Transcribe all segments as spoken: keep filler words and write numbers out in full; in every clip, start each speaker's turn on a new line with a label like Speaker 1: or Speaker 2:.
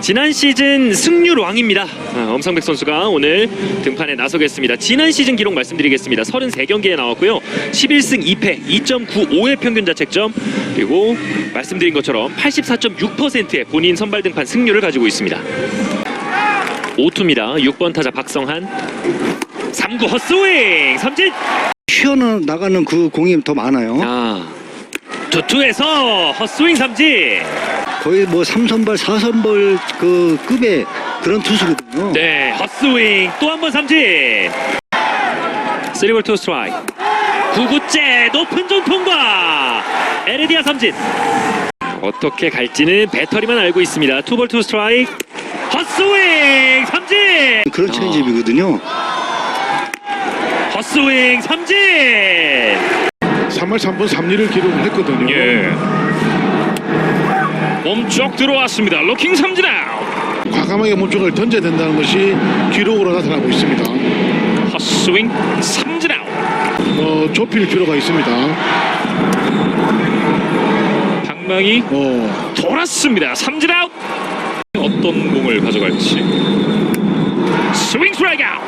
Speaker 1: 지난 시즌 승률 왕입니다. 아, 엄상백 선수가 오늘 등판에 나서겠습니다. 지난 시즌 기록 말씀드리겠습니다. 삼십삼 경기에 나왔고요. 십일 승 이 패, 이 점 구오의 평균 자책점, 그리고 말씀드린 것처럼 팔십사 점 육 퍼센트의 본인 선발 등판 승률을 가지고 있습니다. 오 투입니다. 육 번 타자 박성한. 삼 구 헛스윙 삼진.
Speaker 2: 튀어나가는 그 공이 더 많아요.
Speaker 1: 아, 투투에서 헛스윙 삼진.
Speaker 2: 거의 뭐 삼 선발, 사 선발 그 급의 그런 투수거든요.
Speaker 1: 네, 헛스윙 또 한 번 삼진. 쓰리 볼 투 스트라이크. 구 구째 높은 존 통과. 에르디아 삼진. 어떻게 갈지는 배터리만 알고 있습니다. 투 볼 투 스트라이크. 헛스윙 삼진.
Speaker 2: 그런 체인지업이거든요.
Speaker 1: 헛스윙 삼진.
Speaker 3: 삼 할 삼 분 삼 리를 기록을 했거든요.
Speaker 1: 예. 몸쪽 들어왔습니다. 로킹 삼진 아웃.
Speaker 3: 과감하게 몸쪽을 던져야 된다는 것이 기록으로 나타나고 있습니다.
Speaker 1: 헛스윙 삼진 아웃.
Speaker 3: 어, 좁힐 필요가 있습니다.
Speaker 1: 방망이
Speaker 3: 어,
Speaker 1: 돌았습니다. 삼진 아웃. 어떤 공을 가져갈지. 스윙 스트라이크 아웃.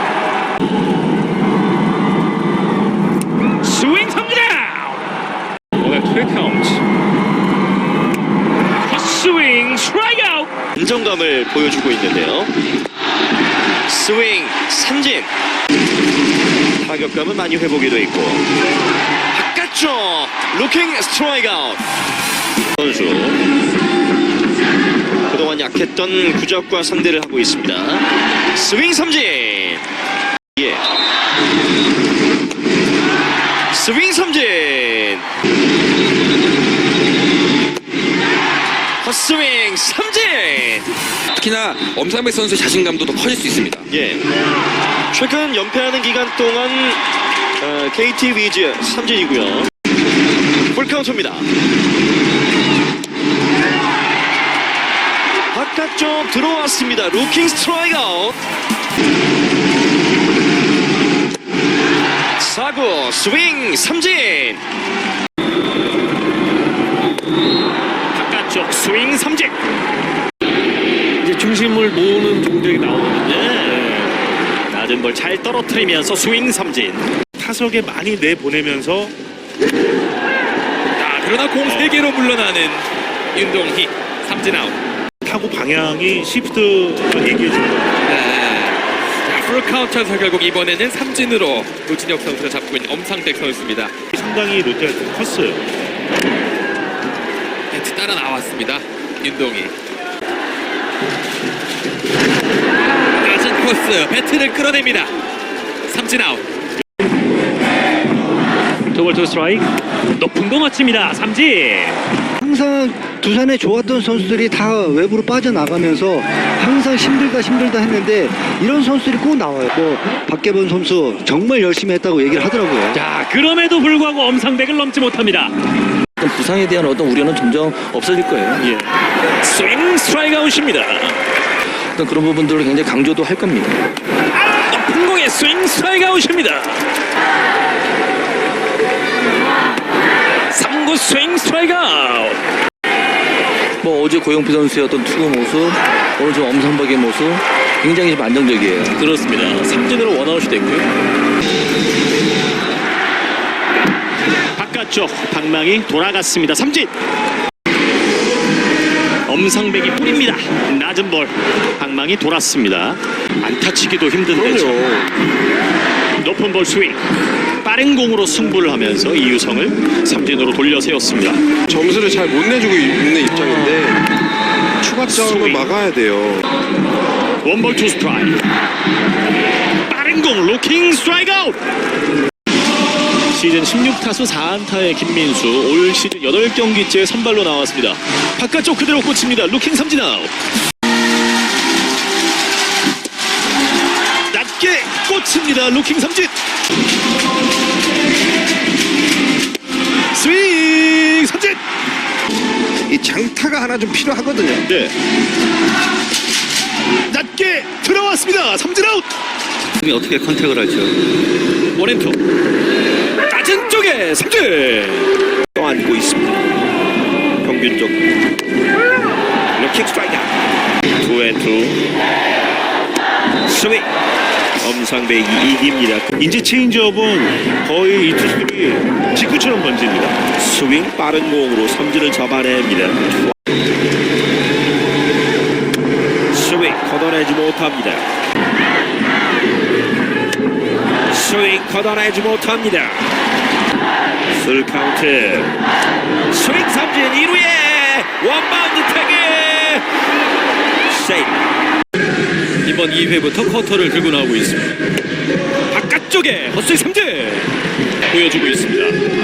Speaker 1: 스윙 삼진 아웃. 오늘 투 카운트. 헛스윙 스트라이크 아웃.
Speaker 4: 안정감을 보여주고 있는데요. 스윙 삼진. 타격감은 많이 회복이 돼 있고. 바깥쪽 루킹 스트라이크 아웃. 선수 그동안 약했던 구적과 상대를 하고 있습니다. 스윙 삼진. 예. 스윙 삼진. 헛스윙 삼진.
Speaker 5: 특히나 엄상백 선수의 자신감도 더 커질 수 있습니다.
Speaker 4: 예. 최근 연패하는 기간 동안 어, 케이티 위즈 삼진이고요. 풀카운트입니다. 바깥쪽 들어왔습니다. 루킹 스트라이크 아웃. 사 구 스윙 삼진.
Speaker 1: 바깥쪽 스윙 삼진. 이제 중심을 모으는 동작이 나오거든요. 네. 낮은 볼 잘 떨어뜨리면서 스윙 삼진.
Speaker 6: 타석에 많이 내보내면서
Speaker 5: 자, 그러나 공 세 개로 물러나는 윤동희 삼진 아웃.
Speaker 6: 타구 방향이 시프트 얘기해 준 거예요.
Speaker 5: 네. 자, 풀카운트에서 결국 이번에는 삼진으로 노진혁 선수가 잡고 있는 엄상백 선수입니다.
Speaker 6: 상당히 롯데가 좀 컸어요.
Speaker 5: 배트 따라 나왔습니다. 윤동희. 낮은 코스 배트를 끌어냅니다. 삼진 아웃.
Speaker 1: 투 볼 투 스트라이크. 높은 거 맞춥니다. 삼진.
Speaker 2: 항상 두산에 좋았던 선수들이 다 외부로 빠져나가면서 항상 힘들다 힘들다 했는데 이런 선수들이 꼭 나와요. 뭐 박계본 선수 정말 열심히 했다고 얘기를 하더라고요.
Speaker 1: 자, 그럼에도 불구하고 엄상백을 넘지 못합니다.
Speaker 7: 부상에 대한 어떤 우려는 점점 없어질 거예요.
Speaker 1: 예. 스윙 스트라이크 아웃입니다.
Speaker 7: 어떤 그런 부분들을 굉장히 강조도 할 겁니다.
Speaker 1: 높은 공에 스윙 스트라이크 아웃입니다. 삼 구 스윙 스트라이크 아웃.
Speaker 7: 뭐 어제 고영표 선수의 어떤 투구 모습, 오늘 좀 엄상박의 모습 굉장히 좀 안정적이에요.
Speaker 1: 그렇습니다. 삼진으로 원아웃이 됐고요. 바깥쪽 방망이 돌아갔습니다. 삼진. 엄상백이 뿌립니다. 낮은 볼 방망이 돌았습니다. 안타치기도 힘든데 높은 볼 스윙. 빠른 공으로 승부를 하면서 이유성을 삼진으로 돌려 세웠습니다.
Speaker 8: 점수를 잘 못 내주고 있는 입장인데 추가점을 막아야 돼요.
Speaker 1: 원볼 투 스트라이크. 빠른 공 로킹 스트라이크 아웃. 시즌 십육 타수 사 안타의 김민수, 올 시즌 여덟 경기째 선발로 나왔습니다. 바깥쪽 그대로 꽂힙니다. 루킹 삼진 아웃. 낮게 꽂힙니다. 루킹 삼진. 스윙 삼진.
Speaker 8: 이 장타가 하나 좀 필요하거든요.
Speaker 1: 네. 낮게 들어왔습니다. 삼진 아웃.
Speaker 7: 어떻게 컨택을 하죠?
Speaker 1: 원앤투. 낮은 쪽에 삼진.
Speaker 4: 떠안고 있습니다. 평균적 루킹 스트라이크. 원투 스윙. 엄상백이 이깁니다.
Speaker 6: 이제 체인지업은 거의 이 투수들이 직구처럼 던집니다.
Speaker 4: 스윙 빠른 공으로 삼진을 잡아냅니다. 스윙 걷어내지 못합니다. 스윙 걷어내지 못합니다. 풀 카운트. 스윙 삼진 일 루에 원바운드 태그. 세이브.
Speaker 5: 이번 이 회부터 커터를 들고 나오고 있습니다. 바깥쪽에 헛스윙 삼진 보여주고 있습니다.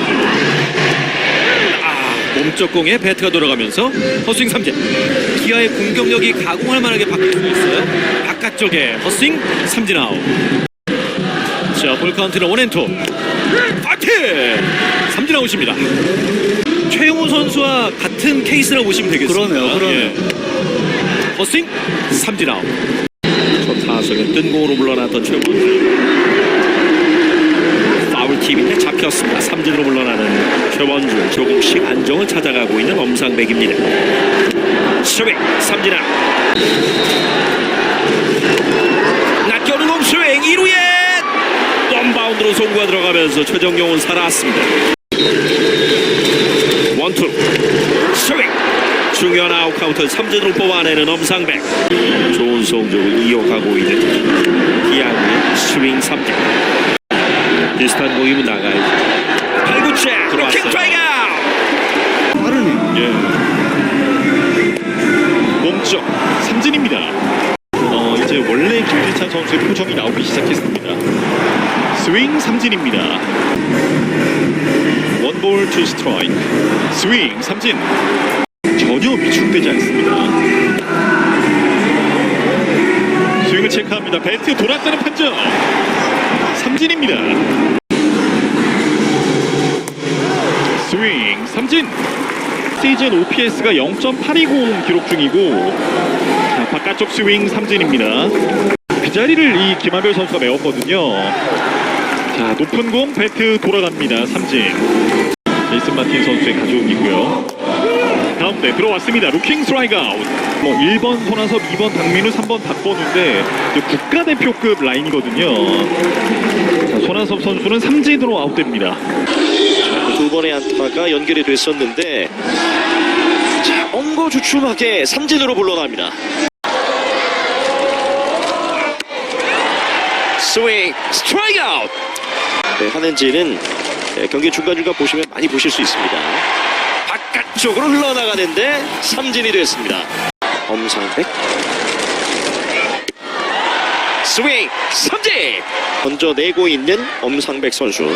Speaker 5: 아, 몸쪽 공에 배트가 돌아가면서 헛스윙 삼진. 기아의 공격력이 가공할 만하게 바뀔 수 있어요. 바깥쪽에 헛스윙 삼진 아웃. 자, 볼 카운트는 원앤투. 파이팅! 삼진 아웃입니다. 최용우 선수와 같은 케이스라고 보시면 되겠습니다.
Speaker 2: 그러네요, 그러네요.
Speaker 5: 예. 헛스윙 삼진 아웃.
Speaker 4: 첫 타석에 뜬 공으로 물러났던 최원주. 파울팁인데 잡혔습니다. 삼진으로 물러나는 최원주. 조금씩 안정을 찾아가고 있는 엄상백입니다. 스윙 삼진 아웃. 낚여는 공 스윙 일 루에 원바운드로 송구가 들어가면서 최정용은 살아왔습니다. 원투 스윙. 중요한 아웃 카운트를 삼진으로 뽑아내는 엄상백. 좋은 성적을 이어가고 있는 기아의 스윙 삼진. 비슷한 공이면 나가야죠. 팔 구째 로킹 트라이가
Speaker 2: 빠르네요.
Speaker 6: 예. 몸쪽 삼진입니다. 어, 이제 원래 김진찬 선수의 표정이 나오기 시작했습니다. 스윙 삼진입니다. 원볼 투 스트라이크. 스윙 삼진. 전혀 위축되지 않습니다. 스윙을 체크합니다. 배트 돌았다는 판정. 삼진입니다. 스윙 삼진. 시즌 오피에스가 영 점 팔이공 기록 중이고, 자, 바깥쪽 스윙 삼진입니다. 그 자리를 이 김한별 선수가 메웠거든요. 자, 높은 공 배트 돌아갑니다. 삼진. 제이슨 마틴 선수의 가져오기고요. 가운데 들어왔습니다. 루킹 스트라이크 아웃. 뭐 일 번 손아섭, 이 번 박민우, 삼 번 박건우인데 국가대표급 라인이거든요. 자, 손아섭 선수는 삼진으로 아웃됩니다.
Speaker 4: 두 번의 안타가 연결이 됐었는데 자, 엉거주춤하게 삼진으로 물러납니다. 스윙 스트라이크 아웃. 네, 하는지는 네, 경기 중간중간 보시면 많이 보실 수 있습니다. 바깥쪽으로 흘러나가는데 삼진이 됐습니다. 엄상백 스윙 삼진. 먼저 내고 있는 엄상백 선수.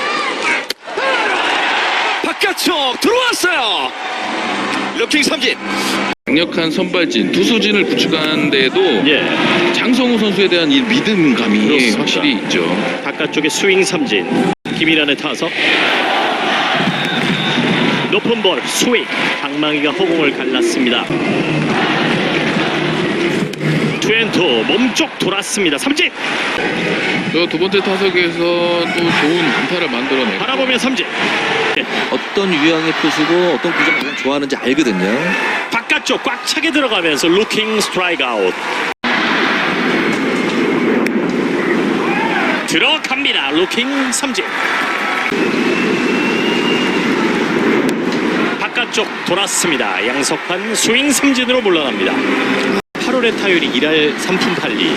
Speaker 4: 바깥쪽 들어왔어요. 루킹 삼진.
Speaker 9: 강력한 선발진, 투수진을 구축하는데도
Speaker 4: 예.
Speaker 9: 장성우 선수에 대한 이 믿음감이
Speaker 4: 그렇습니다.
Speaker 9: 확실히 있죠.
Speaker 4: 바깥쪽에 스윙 삼진. 김일환의 타석. 높은 볼 스윙. 방망이가 허공을 갈랐습니다. 투앤투 몸쪽 돌았습니다. 삼진.
Speaker 9: 저 두 번째 타석에서 또 좋은 안타를 만들어내고
Speaker 4: 바라보면 삼진.
Speaker 7: 어떤 유형의 표수고 어떤 구종을 가장 좋아하는지 알거든요.
Speaker 4: 바깥쪽 꽉 차게 들어가면서 루킹 스트라이크 아웃. 들어갑니다. 루킹 삼진. 바깥쪽 돌았습니다. 양석환 스윙 삼진으로 물러납니다. 팔월의 타율이 일 할 삼 푼 팔 리.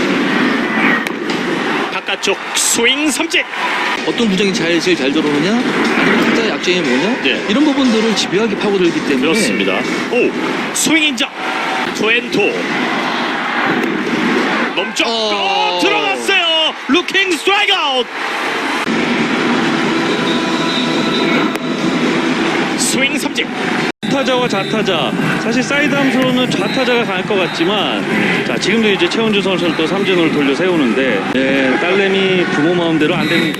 Speaker 4: 바깥쪽 스윙 삼진.
Speaker 7: 어떤 구종이 잘, 제일 잘 들어오느냐, 아니면 각자의 약점이 뭐냐,
Speaker 4: 네.
Speaker 7: 이런 부분들을 집요하게 파고들기 때문에.
Speaker 4: 그렇습니다. 오 스윙 인정. 투앤투 몸쪽
Speaker 7: 어...
Speaker 4: 또 들어갔어요. 루킹 스트라이크 아웃. 스윙 삼진.
Speaker 10: 타자와 좌타자, 사실 사이드 함수로는 좌타자가 강할 것 같지만, 자, 지금도 이제 최원주 선수를 또 삼진으로 돌려 세우는데, 네, 딸내미 부모 마음대로 안 됩니다.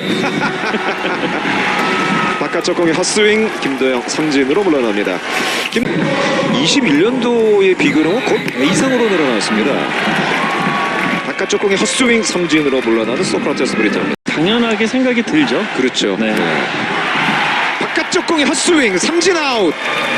Speaker 8: 바깥쪽 공의 헛스윙 김도영 삼진으로 물러납니다. 김... 이십일 년도의 비교는 거의 배 이상으로 늘어났습니다. 바깥쪽 공의 헛스윙 삼진으로 물러나는 소크라테스 브리타입니다.
Speaker 10: 당연하게 생각이 들죠.
Speaker 8: 그렇죠.
Speaker 10: 네.
Speaker 8: 바깥쪽 공의 헛스윙 삼진 아웃.